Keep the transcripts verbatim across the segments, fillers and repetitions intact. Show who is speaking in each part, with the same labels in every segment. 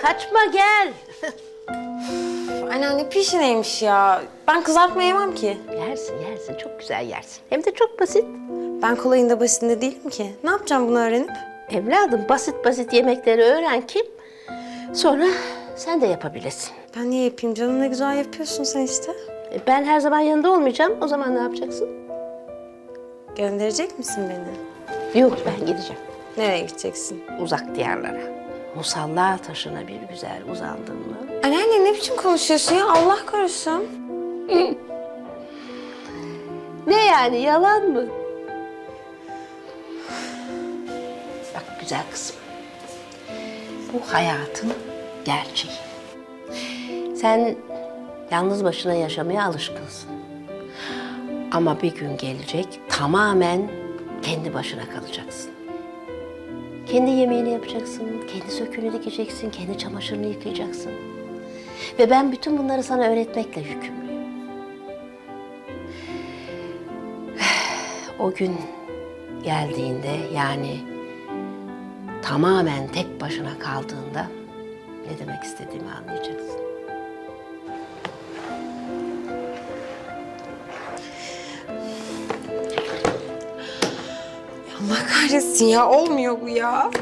Speaker 1: kaçma gel.
Speaker 2: Anneanne pişi neymiş ya? Ben kızartma yemem ki.
Speaker 1: Yersin yersin çok güzel yersin. Hem de çok basit.
Speaker 2: Ben kolayında basitinde değilim ki. Ne yapacağım bunu öğrenip?
Speaker 1: Evladım basit basit yemekleri öğren ki sonra sen de yapabilirsin.
Speaker 2: Ben niye yapayım canım? Ne güzel yapıyorsun sen işte.
Speaker 1: E, Ben her zaman yanında olmayacağım. O zaman ne yapacaksın?
Speaker 2: Gönderecek misin beni?
Speaker 1: Yok ben gideceğim.
Speaker 2: Nereye gideceksin?
Speaker 1: Uzak diyarlara. Musalla taşına bir güzel uzandın mı?
Speaker 2: Anneanne ne biçim konuşuyorsun ya? Allah korusun.
Speaker 1: Ne yani yalan mı? Bak güzel kızım. Bu hayatın gerçeği. Sen yalnız başına yaşamaya alışkınsın. Ama bir gün gelecek tamamen kendi başına kalacaksın. Kendi yemeğini yapacaksın, kendi söküğünü dikeceksin, kendi çamaşırını yıkayacaksın. Ve ben bütün bunları sana öğretmekle yükümlüyüm. O gün geldiğinde yani tamamen tek başına kaldığında ne demek istediğimi anlayacaksın.
Speaker 2: Allah kahretsin ya. Olmuyor bu ya.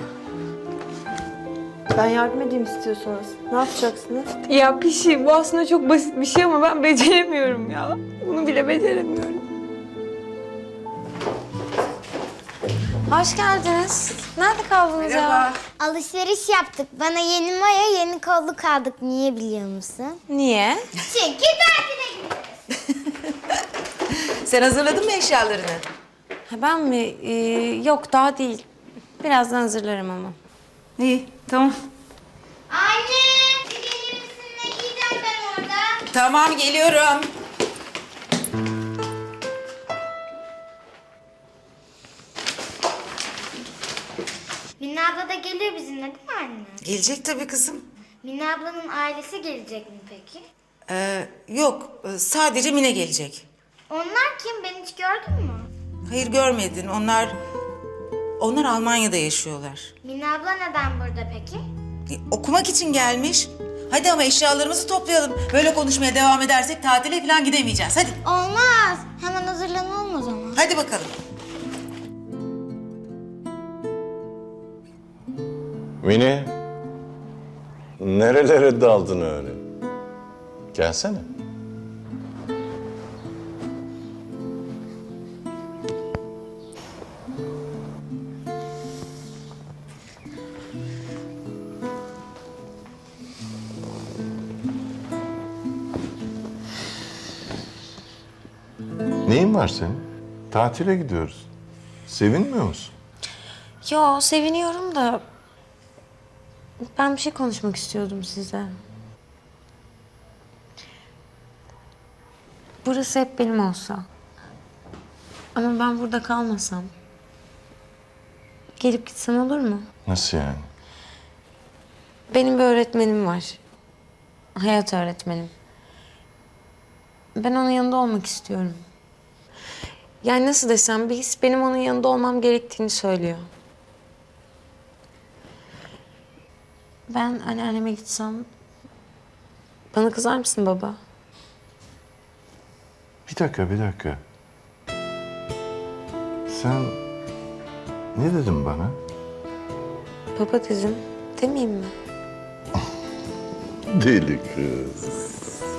Speaker 2: Ben yardım edeyim istiyorsanız. Ne yapacaksınız? Ya pişi bu aslında çok basit bir şey ama ben beceremiyorum ya. Bunu bile beceremiyorum. Hoş geldiniz. Nerede kaldınız ya?
Speaker 3: Alışveriş yaptık. Bana yeni maya, yeni kolluk aldık. Niye biliyor musun?
Speaker 2: Niye?
Speaker 3: Çünkü tatile gidiyoruz.
Speaker 4: Sen hazırladın mı eşyalarını?
Speaker 2: Ha, ben mi? Ee, yok daha değil. Birazdan hazırlarım ama.
Speaker 4: İyi, tamam.
Speaker 3: Anne! Bir gelir misin? Ne giyeceğim ben orada?
Speaker 4: Tamam, geliyorum.
Speaker 3: Mine abla da geliyor bizimle değil mi anne?
Speaker 4: Gelecek tabii kızım.
Speaker 3: Mine ablanın ailesi gelecek mi peki?
Speaker 4: Ee, yok, sadece Mine gelecek.
Speaker 3: Onlar kim? Ben hiç gördün mü?
Speaker 4: Hayır, görmedin. Onlar... Onlar Almanya'da yaşıyorlar.
Speaker 3: Mine abla neden burada peki?
Speaker 4: E, okumak için gelmiş. Hadi ama eşyalarımızı toplayalım. Böyle konuşmaya devam edersek tatile falan gidemeyeceğiz. Hadi,
Speaker 3: Olmaz. Hemen hazırlanalım o zaman.
Speaker 4: hadi bakalım.
Speaker 5: Mine, nerelere daldın öyle? Gelsene. Neyin var senin? Tatile gidiyoruz. Sevinmiyor musun?
Speaker 2: Yo seviniyorum da... Ben bir şey konuşmak istiyordum size. Burası hep benim olsa. Ama ben burada kalmasam. Gelip gitsem olur mu?
Speaker 5: Nasıl yani?
Speaker 2: Benim bir öğretmenim var. Hayat öğretmenim. Ben onun yanında olmak istiyorum. Yani nasıl desem bir his benim onun yanında olmam gerektiğini söylüyor. Ben anneanneme gitsem... Bana kızar mısın baba?
Speaker 5: Bir dakika, bir dakika. Sen ne dedin bana?
Speaker 2: Baba dedim, demeyeyim mi?
Speaker 5: Deli kız.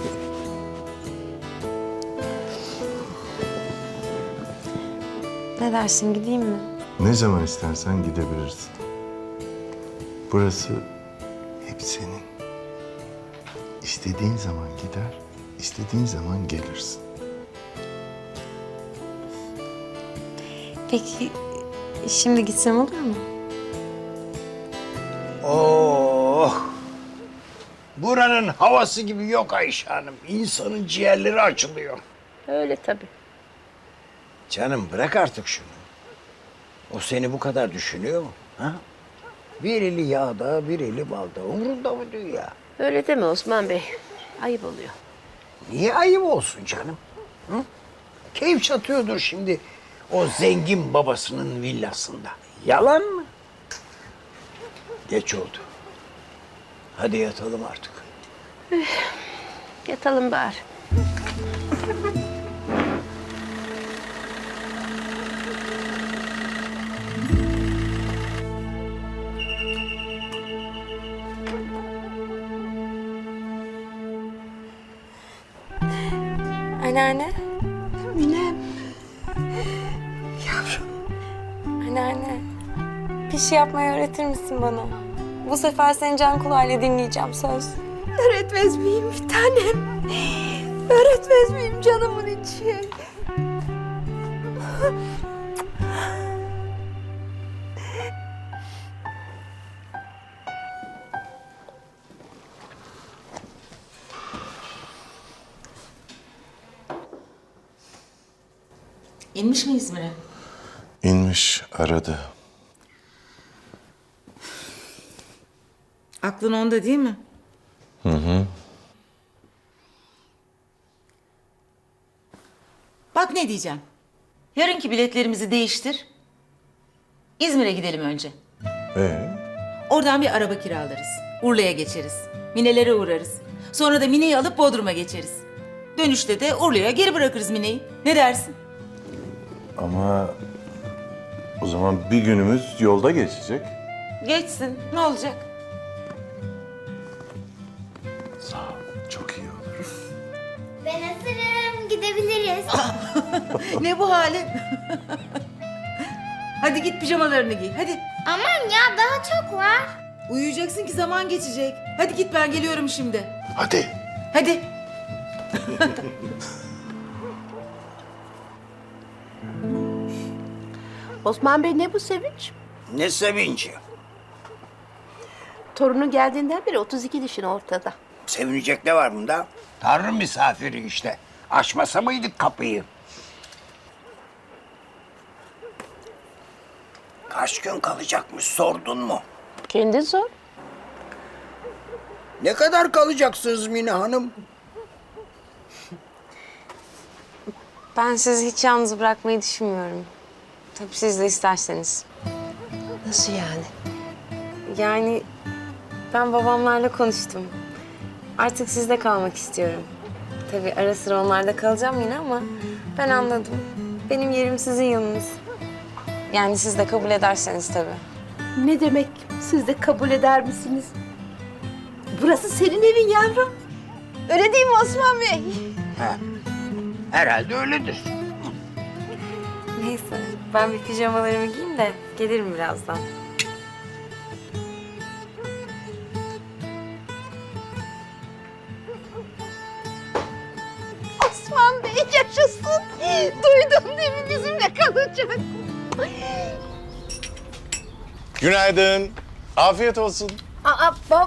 Speaker 2: Ne dersin, gideyim mi?
Speaker 5: Ne zaman istersen gidebilirsin. Burası hep senin. İstediğin zaman gider, istediğin zaman gelirsin.
Speaker 2: Peki, şimdi gitsem olur mu?
Speaker 6: Oh! Buranın havası gibi yok Ayşe Hanım. İnsanın ciğerleri açılıyor.
Speaker 1: Öyle tabii.
Speaker 6: Canım bırak artık şunu. O seni bu kadar düşünüyor mu? Ha? Bir eli yağda, bir eli balda. Umrunda mı dünya?
Speaker 1: Öyle deme Osman Bey. Ayıp oluyor.
Speaker 6: Niye ayıp olsun canım? Hı? Keyif çatıyordur şimdi o zengin babasının villasında. Yalan mı? Geç oldu. Hadi yatalım artık.
Speaker 1: Yatalım bari.
Speaker 2: Anneanne.
Speaker 1: Minem.
Speaker 2: Anneanne. Bir şey yapmayı öğretir misin bana? Bu sefer seni can kulağıyla dinleyeceğim söz.
Speaker 1: Öğretmez miyim bir tanem? Öğretmez miyim canımın içi?
Speaker 4: İnmiş mi İzmir'e?
Speaker 5: İnmiş, aradı.
Speaker 4: Aklın onda değil mi? Hı hı. Bak ne diyeceğim. Yarınki biletlerimizi değiştir. İzmir'e gidelim önce.
Speaker 5: Ee?
Speaker 4: Oradan bir araba kiralarız. Urla'ya geçeriz. Mine'lere uğrarız. Sonra da Mine'yi alıp Bodrum'a geçeriz. Dönüşte de Urla'ya geri bırakırız Mine'yi. Ne dersin?
Speaker 5: Ama o zaman bir günümüz yolda geçecek.
Speaker 4: Geçsin. Ne olacak?
Speaker 5: Sağ ol, çok iyi olur.
Speaker 3: Ben hazırım. Gidebiliriz.
Speaker 4: Ne bu halin? Hadi git pijamalarını giy. Hadi.
Speaker 3: Aman ya daha çok var.
Speaker 4: Uyuyacaksın ki zaman geçecek. Hadi git ben geliyorum şimdi.
Speaker 5: Hadi.
Speaker 4: Hadi.
Speaker 1: Osman Bey ne bu sevinç?
Speaker 6: Ne sevinci.
Speaker 1: Torunu geldiğinden beri otuz iki dişin ortada.
Speaker 6: Sevinecek ne var bunda? Tanrı misafiri işte. Açmasa mıydık kapıyı? Kaç gün kalacakmış sordun mu?
Speaker 1: Kendin sor.
Speaker 6: Ne kadar kalacaksınız Mine Hanım?
Speaker 2: Ben sizi hiç yalnız bırakmayı düşünmüyorum. Tabii siz de isterseniz.
Speaker 1: Nasıl yani?
Speaker 2: Yani ben babamlarla konuştum. Artık sizde kalmak istiyorum. Tabii ara sıra onlarda kalacağım yine ama ben anladım. Benim yerim sizin yanınız. Yani siz de kabul ederseniz tabii.
Speaker 1: Ne demek siz de kabul eder misiniz? Burası senin evin yavrum. Öyle değil mi Osman Bey?
Speaker 6: He. Herhalde öyledir.
Speaker 2: Neyse ben bir pijamalarımı giyeyim de gelirim birazdan.
Speaker 1: Osman Bey yaşasın. Duydun değil mi bizimle kalacak?
Speaker 5: Günaydın. Afiyet olsun.
Speaker 1: Aa bab.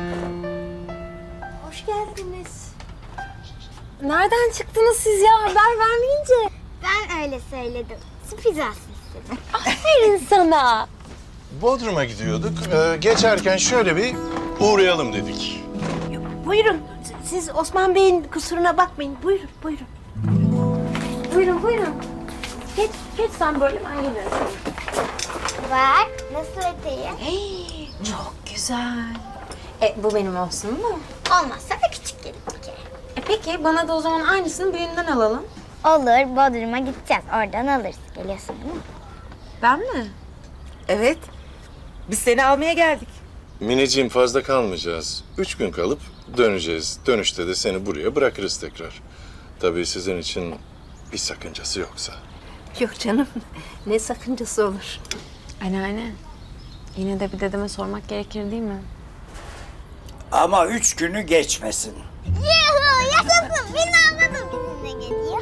Speaker 1: Hoş geldiniz.
Speaker 2: Nereden çıktınız siz ya haber vermeyince?
Speaker 3: Ben öyle söyledim. Sürpriz istedim.
Speaker 2: Aferin sana.
Speaker 5: Bodrum'a gidiyorduk. Ee, geçerken şöyle bir uğrayalım dedik.
Speaker 1: Buyurun. Siz Osman Bey'in kusuruna bakmayın. Buyurun, buyurun. Buyurun, buyurun. Geç, geç sen böyle ben gelirim.
Speaker 3: Bak nasıl eteği.
Speaker 2: Çok güzel. E bu benim olsun mu?
Speaker 3: Olmazsa da küçük gelir bir kere.
Speaker 2: E peki bana da o zaman aynısını büyüğünden alalım.
Speaker 3: Olur, Bodrum'a gideceğiz. Oradan alırız. Geliyorsun değil mi?
Speaker 2: Ben mi?
Speaker 4: Evet. Biz seni almaya geldik.
Speaker 5: Mineciğim fazla kalmayacağız. Üç gün kalıp döneceğiz. Dönüşte de seni buraya bırakırız tekrar. Tabii sizin için bir sakıncası yoksa.
Speaker 1: Yok canım. Ne sakıncası olur.
Speaker 2: Anneanne. Yine de bir dedeme sormak gerekir değil mi?
Speaker 6: Ama üç günü geçmesin.
Speaker 3: Yuhu yaşasın. Beni anladım. Bizimle geliyor.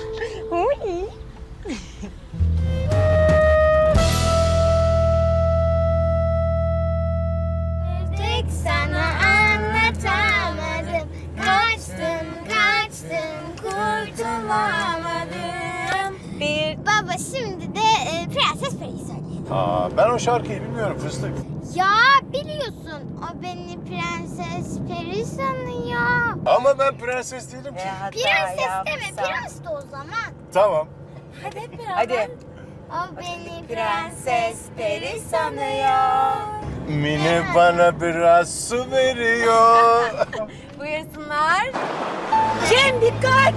Speaker 3: Tek sana anlatamadım. Kaçtın kaçtın kurtulamadım.
Speaker 2: Bir...
Speaker 3: Baba şimdi de e, Prenses Peri'yi söyle.
Speaker 5: Aa, ben o şarkıyı bilmiyorum fıstık.
Speaker 3: Ya biliyorsun o beni Prenses Peri sanıyor.
Speaker 5: Ama ben prenses değilim ki.
Speaker 3: Prenses deme prens de o zaman.
Speaker 5: Tamam.
Speaker 2: Hadi hep beraber.
Speaker 4: Hadi.
Speaker 3: O beni Prenses Peri sanıyor.
Speaker 5: Mine bana biraz su veriyor.
Speaker 2: Buyursunlar.
Speaker 1: Cem dikkat!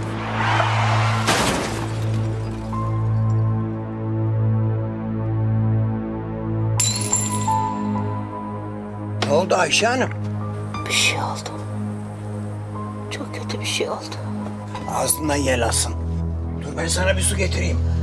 Speaker 6: Ne oldu Ayşe Hanım?
Speaker 1: Bir şey oldu. Çok kötü bir şey oldu.
Speaker 6: Ağzından yel alsın. Dur ben sana bir su getireyim.